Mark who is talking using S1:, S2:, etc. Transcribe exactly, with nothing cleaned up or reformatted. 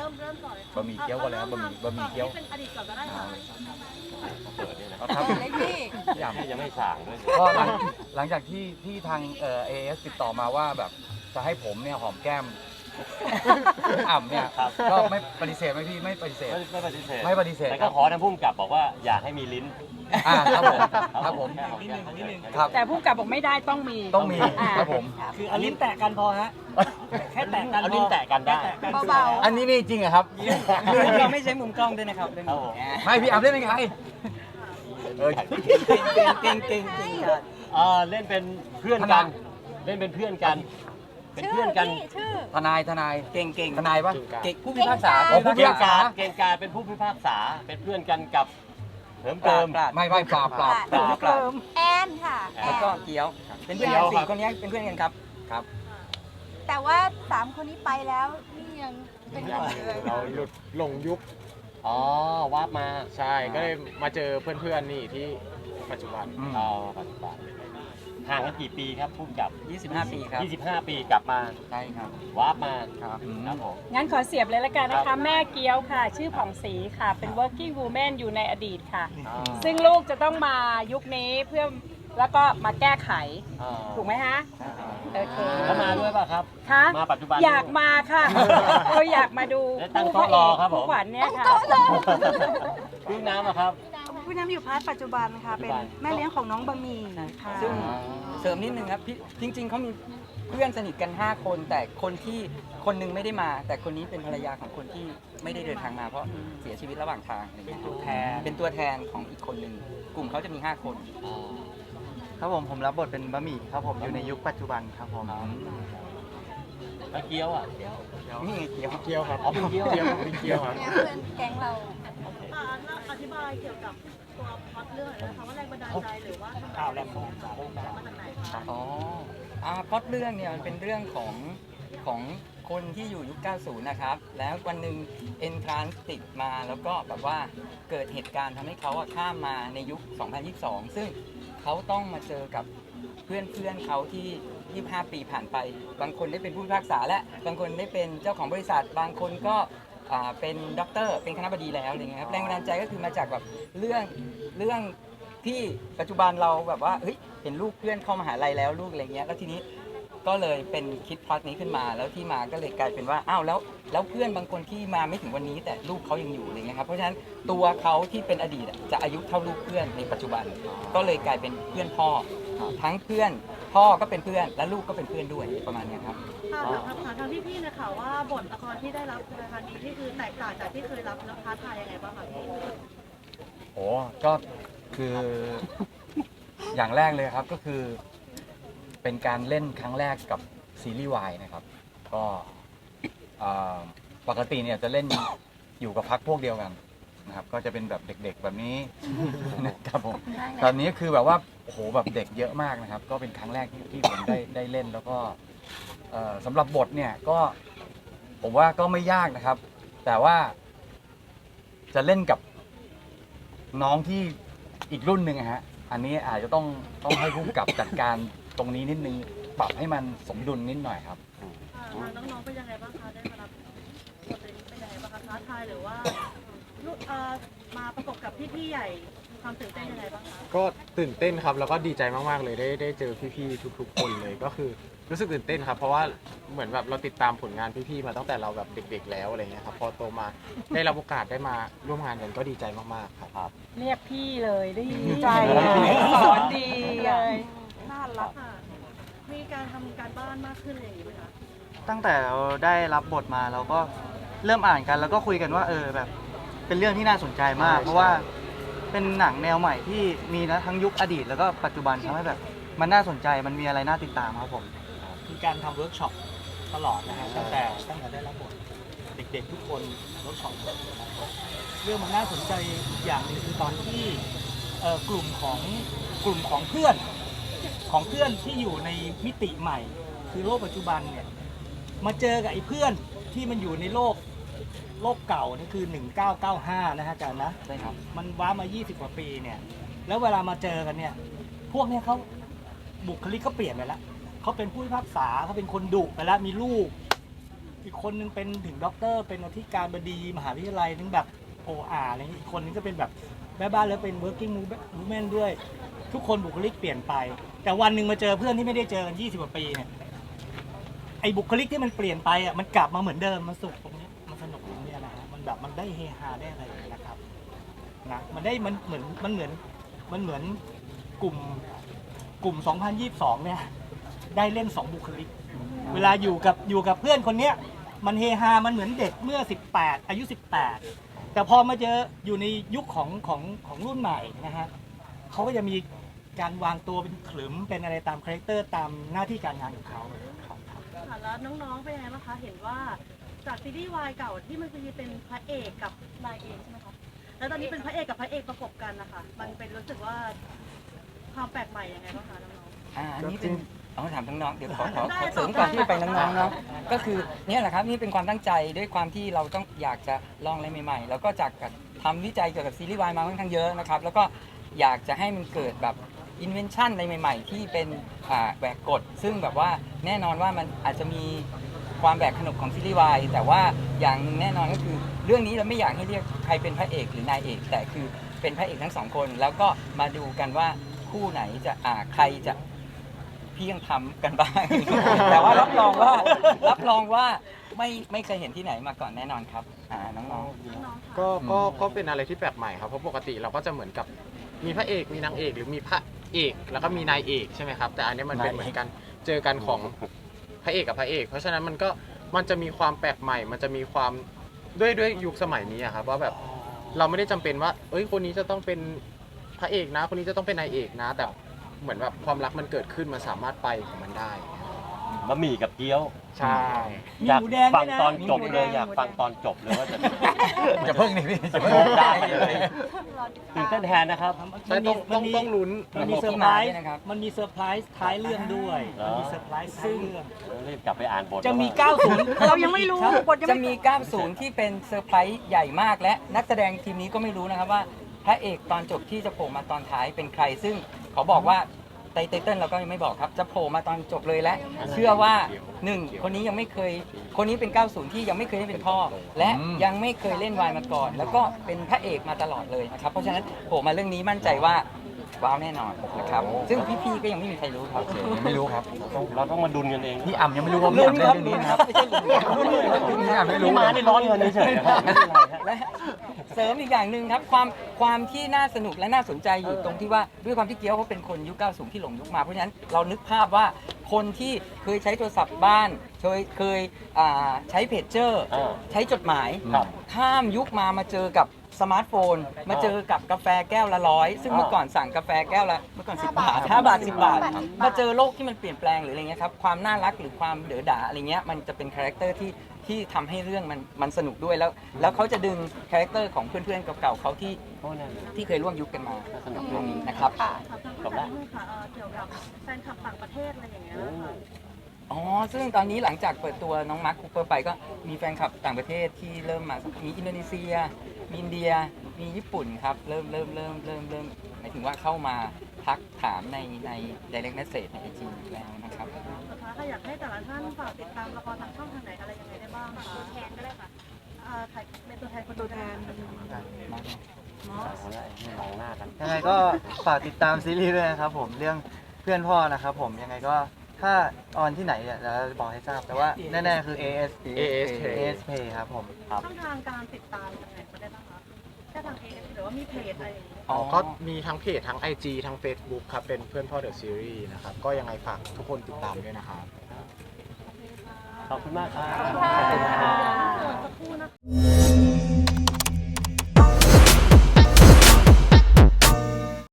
S1: มเริ่มก่อนเลย
S2: บะหมี่เกี๊ยวก่อนเลยครับบะหมี่บะหมี่เกี๊ยว
S1: เป็นอดีตก่อนก็ได้ค่ะ
S3: เปิดเนี่ยนะ
S2: ครับ
S4: เล็กพี่
S2: พี่อ่ำ
S3: ยังไม่สั่งด้วย
S2: ก็หลังหลังจากที่ที่ทางเอ่อเอเอสติดต่อมาว่าแบบจะให้ผมเนี่ยหอมแก้มอ่ำเนี่ยก็ไม่ปฏิเสธไหมพี่ไม่ปฏิเสธ
S3: ไม่ไม่ปฏิเสธ
S2: ไม่ปฏิเสธ
S3: แต่
S2: ค
S3: ก็
S2: รับ
S3: ขอทางผู้กำกับบอกว่าอย่าให้มีลิ้น
S2: อ่าครับผมครับผม
S3: นิดนึงนิดนึง
S2: ครับ
S5: แต่ผู้กำกับบอกไม่ได้ต้องมี
S2: ต้องมี
S5: อ่า
S2: ครับผม
S6: คือเอาลิ้นแตะกันพอฮะ แค่แตะกัน
S3: เอาลิ้นแตะกันได้
S4: เบา
S2: อันนี้นี่จริงเหรอครับ
S6: เราไม่ใช้มุมกล้องด้วยนะครับเรื่อง
S3: ครับ
S6: นี้
S3: ผม
S2: ไม่พี่อ่ำเล่นเป็นใครเออ
S6: เก่งเก่งเก่งเก่งเก่งครับ
S3: เออเล่นเป็นเพื่อนกัน เล่นเป็นเพื่อนกัน เป็น
S4: ชื่
S3: เพื่อนกัน
S4: พี่ชื่อ
S2: ทนายทนาย
S6: เก่งเก่ง
S2: ทนายปะ
S6: เก่งผู้พิพากษา
S2: อ๋อผู้พิ
S3: เกีย
S2: พาง กษา
S3: การเกียงการเป็นผู้พิพากษา เป็นเพื่อนกันกับเหิม
S6: ปรา
S3: เกิ
S6: บ
S3: ม
S6: ปราบ
S2: ไม่ไม่ปราบปราบ
S4: ปราบ
S6: ปราบปราบ
S4: แอนค่ะแอ
S6: แล้ว
S4: น
S6: ก็เกี๊ยว เป็นเพื่อน
S3: เกี๊
S6: กั
S3: ยวน ครับ
S6: สี่คนนี้เป็นเพื่อนกันครับ
S2: ครับ
S4: แต่ว่าสามคนนี้ไปแล้วนี่ยังเป็นอยู่เลย
S7: เราหลุดหลงยุค
S3: อ๋อวาบมา
S7: ใช่ก็เลยมาเจอเพื่อนๆนี่ที่ปัจจุบัน
S2: อืม
S3: เอาปัจจุบันห่างกันกี่ปีครับผู้กำกับ
S6: ยี่สิบห้า ปีครับ
S3: ยี่สิบห้าปีกลับมา
S6: ใช่ครับ
S3: วาบมา
S6: ครับ
S3: ครับผม
S5: งั้นขอเสียบเลยละกันนะ
S3: ครั
S5: คะ
S3: บ
S5: แม่เกี๊ยวค่ะ ชื่อผ่องศรีค่ะ เป็น working woman อยู่ในอดีตค่ะ
S3: อ่า
S5: ซึ่งลูกจะต้องมายุคนี้เพื่อแล้วก็มาแก้ไข
S3: อ่า
S5: ถูกไหมฮะ โอเค
S3: แล้วมาด้วยป่ะครับ
S5: คะ
S3: มาปัจจุบัน
S5: อยากมาค่ะ เราอยากมาดู
S3: ได้ตั้งโต๊ะรอครับผม
S5: ผู้ขวัญเนี่ยค่ะ
S3: พี่น้ำอะครับ
S8: ผู้นำอยู่พาร์ทปัจจุบันค่ะ เป็นแม่เลี้ยงของน้องบะหมี่ค่ะ
S6: ซึ่งเสริมนิดนึงครับพี่จริง ๆเขามีเพื่อนสนิทกัน ห้า คน แต่คนที่คนหนึงไม่ได้มา แต่คนนี้เป็นภรรยาของคนที่ไม่ได้เดินทางมาเพราะเสียชีวิตระหว่างทางอะไรเงี้ยเป็นตัวแทนเป็นตัวแทนของอีกคนหนึ่งกลุ่มเขาจะมี ห้า คน
S9: ครับผมผมรับบทเป็นบะหมี่ครับผมอยู่ในยุคปัจจุบันครับผม
S3: แล้วเกี๊ยวอ่ะ
S6: นี่ไงเกี๊ยว
S7: เกี๊ยวครับ
S3: อ๋อเป็นเกี๊ยว
S7: เกี๊ยวเป็นเกี๊ยวครับ
S4: เนี่ยเพื่อนแก๊งเรา
S1: อ่าอธิบายเกี่ยวกับตัวพล็อตเรื่องหน่อยนะคะว่าแรงบันดาลใจหรือว่าทำไม
S6: ข่าวแรงบันดาลใจ
S1: มาจากไหนคะ
S6: อ๋ออ่าพล็อตเรื่องเนี่ยมันเป็นเรื่องของของคนที่อยู่ยุค เก้าสิบ นะครับ แล้ววันหนึ่งเอนทรานส์ติดมาแล้วก็แบบว่าเกิดเหตุการณ์ทำให้เขาอะข้ามมาในยุค สองพันยี่สิบสอง ซึ่งเขาต้องมาเจอกับเพื่อนเพื่อนๆเขาที่ ยี่สิบห้า ปีผ่านไป บางคนได้เป็นผู้พิพากษาและบางคนได้เป็นเจ้าของบริษัท บางคนก็อ่าเป็นด็อกเตอร์เป็นคณบดีแล้วอะไรเงี้ยครับแรงบันดาลใจก็คือมาจากแบบเรื่องเรื่องที่ปัจจุบันเราแบบว่าเฮ้ยเห็นลูกเพื่อนเข้ามหาลัยแล้วลูกอะไรเงี้ยแล้วทีนี้ก็เลยเป็นคิดพล็อตนี้ขึ้นมาแล้วที่มาก็เลยกลายเป็นว่าอ้าวแล้วแล้วเพื่อนบางคนที่มาไม่ถึงวันนี้แต่ลูกเขายังอยู่อะไรเงี้ยครับเพราะฉะนั้นตัวเขาที่เป็นอดีตอะจะอายุเท่าลูกเพื่อนในปัจจุบัน ก็เลยกลายเป็นเพื่อนพ่อทั้งเพื่อนพ่อก็เป็นเพื่อนและลูกก็เป็นเพื่อนด้วยประมาณเนี้ยครับ
S1: ค่ะถามถามทางพี่พี่ๆนะคะว่าบทละครที่ได้รับในครั้งนี้ที่คือแตกต่างจากที่เคยรับแล้วท้าทายยังไงบ้างคะพี่
S2: โอ้ก็คืออย่างแรกเลยครับก็คือเป็นการเล่นครั้งแรกกับซีรีส์วายนะครับ ก็เอ่อปกติเนี่ยจะเล่นอยู่กับพักพวกเดียวกันนะครับ ก็จะเป็นแบบเด็กๆแบบนี้นะครับผมตอนนี้คือแบบว่าโอ้โหแบบเด็กเยอะมากนะครับ ก็เป็นครั้งแรกที่ที่ผมได้ได้เล่นแล้วก็เอ่อสำหรับบทเนี่ยก็ผมว่าก็ไม่ยากนะครับ แต่ว่าจะเล่นกับน้องที่อีกรุ่นหนึ่งอะฮะอันนี้อาจจะต้องต้องให้ผู้กำกับจัดการตรงนี้นิดนึงปรับให้มันสมดุลนิดหน่อยครับ
S1: อ่าทางน้องๆเป็นยังไงบ้างคะได้มารับบทนี้เป็นยังไงบ้างคะท้าทายหรือว่าลูกเอ่อมาประกบกับพี่ๆใหญ่ความตื่นเต้นยังไงบ้างคะ
S7: ก็ตื่นเต้นครับแล้วก็ดีใจมากๆเลยได้ได้เจอพี่ๆทุกๆคนเลยก็คือรู้สึกตื่นเต้นครับ เพราะว่าเหมือนแบบเราติดตามผลงานพี่ๆมาตั้งแต่เราแบบเด็ก ๆ แล้วอะไรเงี้ยครับพอโตมาได้รับโอกาสได้มาร่วมงานกันก็ดีใจมากๆครับ
S5: เรียกพี่เลยได้
S8: ดีใจ
S5: สอนดีเลย
S8: น่ารัก
S1: ค่ะมีการทำการบ้านมากขึ้นอะไรอย่างนี้ไหมคะ
S9: ตั้งแต่เราได้รับบทมาเราก็เริ่มอ่านกันแล้วก็คุยกันว่าเออแบบเป็นเรื่องที่น่าสนใจมาก
S7: ใช่
S9: เพราะว่าเป็นหนังแนวใหม่ที่มีนะทั้งยุคอดีต แล้วก็ปัจจุบันทำให้แบบมันน่าสนใจมันมีอะไรน่าติดตามครับผม
S6: มีการทำเวิร์กช็อปตลอดนะฮะตั้งแต่ตั้งแต่ได้รับบทเด็กๆทุกคนเวิร์กช็อปเรื่องมันน่าสนใจอีกอย่างหนึงคือตอนที่เอ่อกลุ่มของกลุ่มของเพื่อนของเพื่อนที่อยู่ในมิติใหม่ คือโลกปัจจุบันเนี่ยมาเจอกับไอ้เพื่อนที่มันอยู่ในโลกโลกเก่านี่คือหนึ่งเก้าเก้าห้านะฮะอาจารย์นะใช่ครับมันว้ามายี่สิบกว่าปีเนี่ยแล้วเวลามาเจอกันเนี่ยพวกเนี้ยเขาบุคลิกเขาเปลี่ยนไปแล้ว เขาเป็นผู้พิพากษาเขาเป็นคนดุไปแล้วมีลูก
S10: อีกคนนึงเป็นถึงด็อกเตอร์เป็นอธิการบดีมหาวิทยาลัยนึงแบบโออาร์อะไรอย่างนี้อีกคนนึงก็เป็นแบบแม่บ้านแล้วเป็น working woman ด้วย ทุกคนบุคลิกเปลี่ยนไป แต่วันหนึ่งมาเจอเพื่อนที่ไม่ได้เจอกันยี่สิบกว่าปีเนี่ยไอ้บุคลิกที่มันเปลี่ยนไปอ่ะมันกลับมาเหมือนเดิมมันสุขตรงนี้มันสนุกตรงนี้นะฮะมันแบบมันได้เฮฮาได้อะไรนะครับนะมันได้มันเหมือนมันเหมือนมันเหมือนกลุ่มกลุ่ม สองพันยี่สิบสอง เนี่ยได้เล่นสองบุคลิก เวลาอยู่กับอยู่กับเพื่อนคนเนี้ยมันเฮฮามันเหมือนเด็กเมื่อสิบแปดอายุสิบแปดแต่พอมาเจออยู่ในยุคของของของรุ่นใหม่นะฮะเขาก็จะมีการวางตัวเป็นขลึมเป็นอะไรตามคาแรคเตอร์ตามหน้าที่การงานของเขา
S1: ค่ะแล้วน้องๆเป็นยังไงบ้างคะเห็นว่าจากซีรีส์วายเก่าที่มันจะมีเป็นพระเอกกับนายเอกใช่ไหมคะแล้วตอนนี้เป็นพระเอกกับพระเอกประกบกันนะคะมันเป็นรู้สึกว่าความแปลกใหม่ยังไงบ้างคะน้องๆ
S6: อ่าอันนี้เป็นเอาถามน้องๆเดี๋ยวขอขอขอเสริมก่อนที่ไปน้องๆเนาะก็คือเนี่ยแหละครับนี่เป็นความตั้งใจด้วยความที่เราต้องอยากจะลองอะไรใหม่ๆ แล้วก็จากทำวิจัยเกี่ยวกับซีรีส์วายมาค่อนข้างเยอะนะครับแล้วก็อยากจะให้มันเกิดแบบอินเวนชั่นอะไรใหม่ๆ ที่เป็นอ่าแหวกกฎซึ่งแบบว่าแน่นอนว่ามันอาจจะมีความแบกขนบของซีรีส์วายแต่ว่าอย่างหนึงแน่นอนก็คือเรื่องนี้เราไม่อยากให้เรียกใครเป็นพระเอกหรือนายเอกแต่คือเป็นพระเอกทั้งสองคนแล้วก็มาดูกันว่าคู่ไหนจะอ่าใครจะพี่ยังทำกันบ้าง แต่ว่ารับรองว่ารับรองว่าไม่ไม่เคยเห็นที่ไหนมาก่อนแน่นอนครับอ่าน้องๆ
S7: ก็ก็ก็เป็นอะไรที่แปลกใหม่ครับเพราะปกติเราก็จะเหมือนกับมีพระเอกมีนางเอกหรือมีพระเอกแล้วก็มีนายเอกใช่ไหมครับแต่อันนี้มันเป็นเหมือนกันเจอกันของพระเอกกับพระเอก เพราะฉะนั้นมันก็มันจะมีความแปลกใหม่ มันจะมีความด้วยด้วยยุคสมัยนี้อะครับว่าแบบเราไม่ได้จำเป็นว่าเอ้ยคนนี้จะต้องเป็นพระเอกนะคนนี้จะต้องเป็นนายเอกนะแต่เหมือนแบบความรักมันเกิดขึ้นมันสามารถไปของมันได้
S3: บะหมี่กับเกี๊ยว
S7: ใช่
S3: อยากฟังตอนจบเลยอยากฟังตอนจบเลยว่าจะ
S2: จะเพิ่งนี่พี่
S3: จะเพิ่งได้เลยตื่นเต้นแทนนะครับ
S7: ใช่ต้องต้องต้องลุ้น
S10: มันมีเซอร์ไพรส์
S6: ที่มาด้วยนะครับ
S10: มันมีเซอร์ไพรส์ท้ายเรื่องด้วย
S3: เหรอ
S10: มันมีเซอร์ไพรส์ท้ายเรื่อง
S3: รีบกลับไปอ่านบท
S10: จะมี
S3: แล้ว
S10: เก้าสิบ
S8: เรายังไม่รู้บทยัง
S6: จะ
S8: ไม่
S6: มี เก้าสิบ ที่เป็นเซอร์ไพรส์ใหญ่มากและนักแสดงทีมนี้ก็ไม่รู้นะครับว่าพระเอกตอนจบที่จะโผล่มาตอนท้ายเป็นใคร ซึ่งเขาบอกว่าไตเติ้ลเราก็ยังไม่บอกครับจะโผล่มาตอนจบเลยและเชื่อว่าหนึ่งคนนี้ยังไม่เคยคนนี้เป็น เก้าสิบ ที่ยังไม่เคยได้เป็นพ่อ และยังไม่เคยเล่นวายมาก่อน แล้วก็เป็นพระเอกมาตลอดเลยนะครับเพราะฉะนั้นโผล่มาเรื่องนี้มั่นใจว่าว้าวแน่นอนนะครับซึ่งพี่ๆก็ยังไม่มีใครรู้ครับ
S2: ยังไม่รู้ครับ
S3: เราต้องมาดุนกันเอง
S2: พี่อ่ำยังไม่รู้ว่าพี่อ่ำเล่นเรื่องนี้นะครับ
S6: ไม่ใช่ลุ้นครับ
S2: พี่อ่ำไม่รู้
S3: นี่มาได้ร้อนเงินเฉยๆนะครับไม่เป็นไรฮะ
S6: และเสริมอีกอย่างหนึ่งครับความความที่น่าสนุกและน่าสนใจอยู่ตรงที่ว่าด้วยความที่เกี๊ยวเขาเป็นคนยุค เก้าสิบ ที่หลงยุคมาเพราะฉะนั้นเรานึกภาพว่าคนที่เคยใช้โทรศัพท์บ้านเคยเคยอ่าใช้เพจเจอร์
S3: อ่า
S6: ใช้จดหมาย
S3: ครับ
S6: ข้ามยุคมามาเจอกับสมาร์ทโฟน มาเจอกับกาแฟแก้วละร้อยซึ่งเมื่อก่อนสั่งกาแฟแก้วละเมื่อก่อนสิบบาทห้าบาทสิบบาท มาเจอโลกที่มันเปลี่ยนแปลงหรืออะไรเงี้ยครับความน่ารักหรือความเด๋อด่าอะไรเงี้ยมันจะเป็นคาแรคเตอร์ที่ที่ทำให้เรื่องมันมันสนุกด้วยแล้ว แล้วเขาจะดึงคาแรคเตอร์ของเพื่อนๆเก่าๆเขาที่
S3: โอ้นั่น
S6: ที่เคยร่วมยุคกันมา
S3: สนุก
S6: เรื่องนี้นะครับ
S1: ถามทางผู้จัดนิดนึงค่ะเอ่อเกี่ยวกับแฟนคลับต่างประเทศอะไรอย่างเงี้ยค่ะ
S6: อ๋อ ซึ่งตอนนี้หลังจากเปิดตัวน้องมาร์คคูเปอร์ไปก็มีแฟนคลับต่างประเทศที่เริ่มมา มีอินโดนีเซีย มีอินเดีย มีญี่ปุ่นครับ เริ่มเริ่มเริ่มเริ่มเริ่มหมายถึงว่าเข้ามาทักถามในใน direct message ในไอจีแล้วนะครับ
S1: สุดท้ายค่ะอยากให้แต่ละท่านฝากติดตามละครทางช่องทางไหนอะไรยังไงได้บ้างคะแทนก็ได้ค่ะอ่าถ่ายเป็นตัวแทนคนดูแทน
S3: มองหน้ากัน
S9: ยังไงก็ฝากติดตามซีรีส์ด้วยนะครับผมเรื่องเพื่อนพ่อนะครับผมยังไงก็ถ้าออนที่ไหนเนี่ยเราจะบอกให้ทราบแต่ว่าแน่ๆคือ เอ เอส
S7: เอ เอส
S9: เอ เอส Play ครับผม
S1: ช่องทางการติดตามยังไงก็ได้บ้างคะแค่ทางเอหรือว่ามีเพจอะไรอย่างเงี้ย
S7: อ๋อก็มีทั้งเพจทั้ง ไอ จี ทั้ง Facebook ครับเป็นเพื่อนพ่อเดอะซีรีส์นะครับก็ยังไงฝากทุกคนติดตามด้วยนะครับ
S3: ขอบคุณมากครับ
S4: ขอบคุณค่ะ